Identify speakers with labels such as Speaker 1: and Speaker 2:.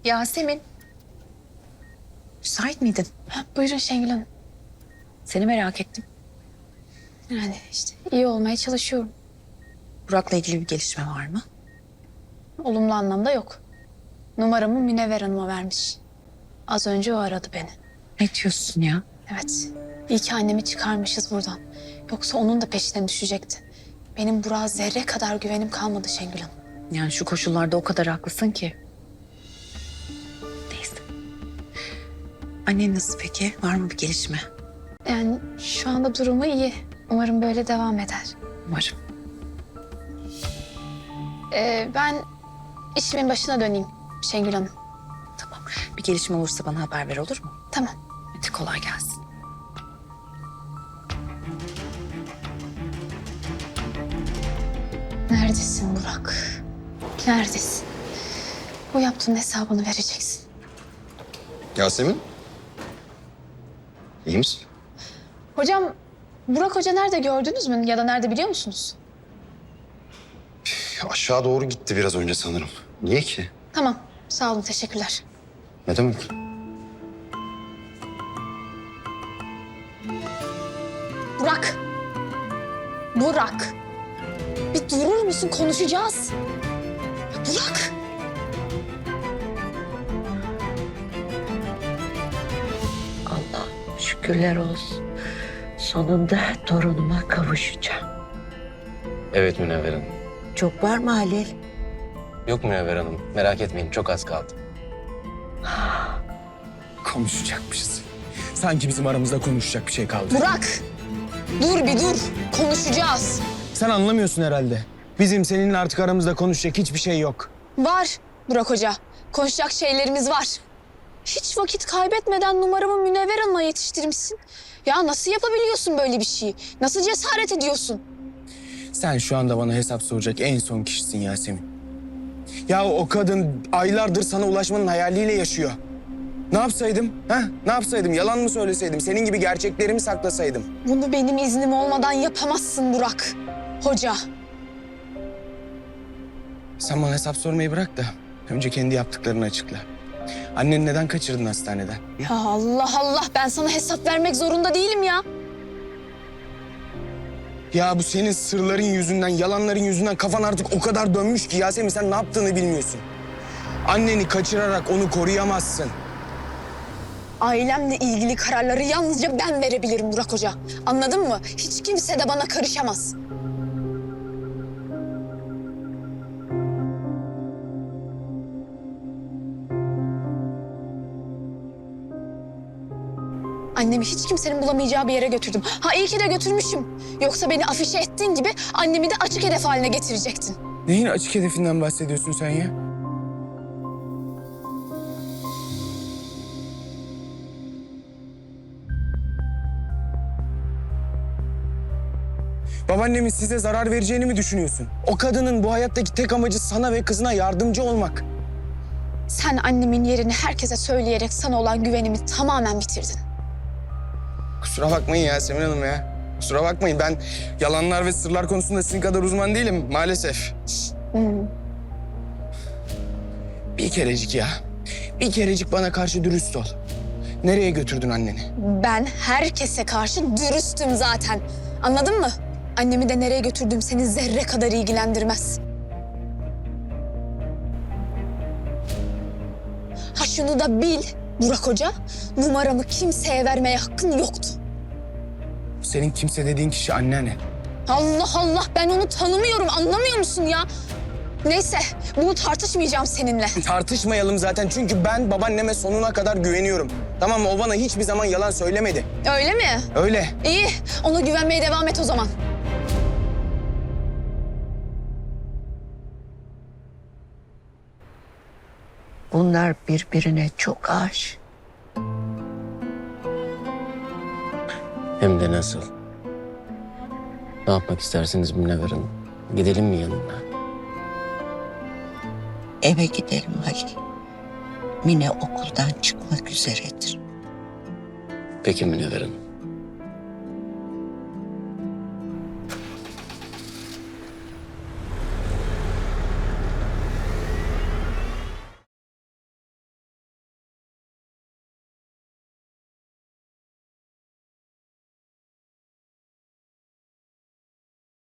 Speaker 1: Yasemin. Müsait miydin?
Speaker 2: Buyurun Şengül Hanım.
Speaker 1: Seni merak ettim.
Speaker 2: Yani işte iyi olmaya çalışıyorum.
Speaker 1: Burak'la ilgili bir gelişme var mı?
Speaker 2: Olumlu anlamda yok. Numaramı Münevver Hanım'a vermiş. Az önce o aradı beni.
Speaker 1: Ne diyorsun ya?
Speaker 2: Evet. İyi ki annemi çıkarmışız buradan. Yoksa onun da peşinden düşecekti. Benim Burak'a zerre kadar güvenim kalmadı Şengül Hanım.
Speaker 1: Yani şu koşullarda o kadar haklısın ki. Neyse. Annen nasıl peki? Var mı bir gelişme?
Speaker 2: Yani şu anda durumu iyi. Umarım böyle devam eder.
Speaker 1: Umarım.
Speaker 2: Ben işimin başına döneyim Şengül Hanım.
Speaker 1: Tamam. Bir gelişme olursa bana haber ver, olur mu?
Speaker 2: Tamam.
Speaker 1: Hadi kolay gelsin.
Speaker 2: Neredesin Burak? Neredesin? Bu yaptığın hesabını vereceksin.
Speaker 3: Yasemin? İyi misin?
Speaker 2: Hocam, Burak Hoca nerede gördünüz mü? Ya da nerede biliyor musunuz?
Speaker 3: Aşağı doğru gitti biraz önce sanırım. Niye ki?
Speaker 2: Tamam, sağ olun, teşekkürler.
Speaker 3: Ne demek?
Speaker 2: Burak! Burak! Bir durur musun? Konuşacağız. Burak!
Speaker 4: Allah şükürler olsun. Sonunda torunuma kavuşacağım.
Speaker 5: Evet Münevver Hanım.
Speaker 4: Çok var mı Halil?
Speaker 5: Yok Münevver Hanım. Merak etmeyin. Çok az kaldı.
Speaker 6: Konuşacakmışız. Sanki bizim aramızda konuşacak bir şey kaldı.
Speaker 2: Burak! Dur bir dur. Konuşacağız.
Speaker 6: Sen anlamıyorsun herhalde. Bizim seninle artık aramızda konuşacak hiçbir şey yok.
Speaker 2: Var Burak Hoca. Konuşacak şeylerimiz var. Hiç vakit kaybetmeden numaramı Münevver Hanım'a yetiştirmişsin. Ya nasıl yapabiliyorsun böyle bir şeyi? Nasıl cesaret ediyorsun?
Speaker 6: Sen şu anda bana hesap soracak en son kişisin Yasemin. Ya o kadın aylardır sana ulaşmanın hayaliyle yaşıyor. Ne yapsaydım? Ha? Ne yapsaydım? Yalan mı söyleseydim? Senin gibi gerçeklerimi saklasaydım?
Speaker 2: Bunu benim iznim olmadan yapamazsın Burak Hoca.
Speaker 6: Sen bana hesap sormayı bırak da önce kendi yaptıklarını açıkla. Anneni neden kaçırdın hastaneden?
Speaker 2: Ya Allah Allah, ben sana hesap vermek zorunda değilim ya.
Speaker 6: Ya bu senin sırların yüzünden, yalanların yüzünden kafan artık o kadar dönmüş ki Yasemin sen ne yaptığını bilmiyorsun. Anneni kaçırarak onu koruyamazsın.
Speaker 2: Ailemle ilgili kararları yalnızca ben verebilirim Burak Hoca. Anladın mı? Hiç kimse de bana karışamaz. Annemi hiç kimsenin bulamayacağı bir yere götürdüm. Ha iyi ki de götürmüşüm. Yoksa beni afişe ettiğin gibi annemi de açık hedef haline getirecektin.
Speaker 6: Neyin açık hedefinden bahsediyorsun sen ya? Babaannemin size zarar vereceğini mi düşünüyorsun? O kadının bu hayattaki tek amacı sana ve kızına yardımcı olmak.
Speaker 2: Sen annemin yerini herkese söyleyerek sana olan güvenimi tamamen bitirdin.
Speaker 6: Kusura bakmayın Yasemin Hanım ya. Kusura bakmayın ben yalanlar ve sırlar konusunda sizin kadar uzman değilim maalesef. Bir kerecik ya. Bir kerecik bana karşı dürüst ol. Nereye götürdün anneni?
Speaker 2: Ben herkese karşı dürüstüm zaten. Anladın mı? Annemi de nereye götürdüğüm seni zerre kadar ilgilendirmez. Ha şunu da bil Burak Hoca, numaramı kimseye vermeye hakkın yoktu.
Speaker 6: Senin kimse dediğin kişi anneanne.
Speaker 2: Allah Allah, ben onu tanımıyorum, anlamıyor musun ya? Neyse, bunu tartışmayacağım seninle.
Speaker 6: Tartışmayalım zaten çünkü ben babaanneme sonuna kadar güveniyorum. Tamam mı? O bana hiçbir zaman yalan söylemedi.
Speaker 2: Öyle mi?
Speaker 6: Öyle.
Speaker 2: İyi, ona güvenmeye devam et o zaman.
Speaker 4: Bunlar birbirine çok aşık.
Speaker 5: Hem de nasıl? Ne yapmak istersiniz Münevver Hanım? Gidelim mi yanına?
Speaker 4: Eve gidelim Halil. Mine okuldan çıkmak üzeredir.
Speaker 5: Peki Münevver Hanım.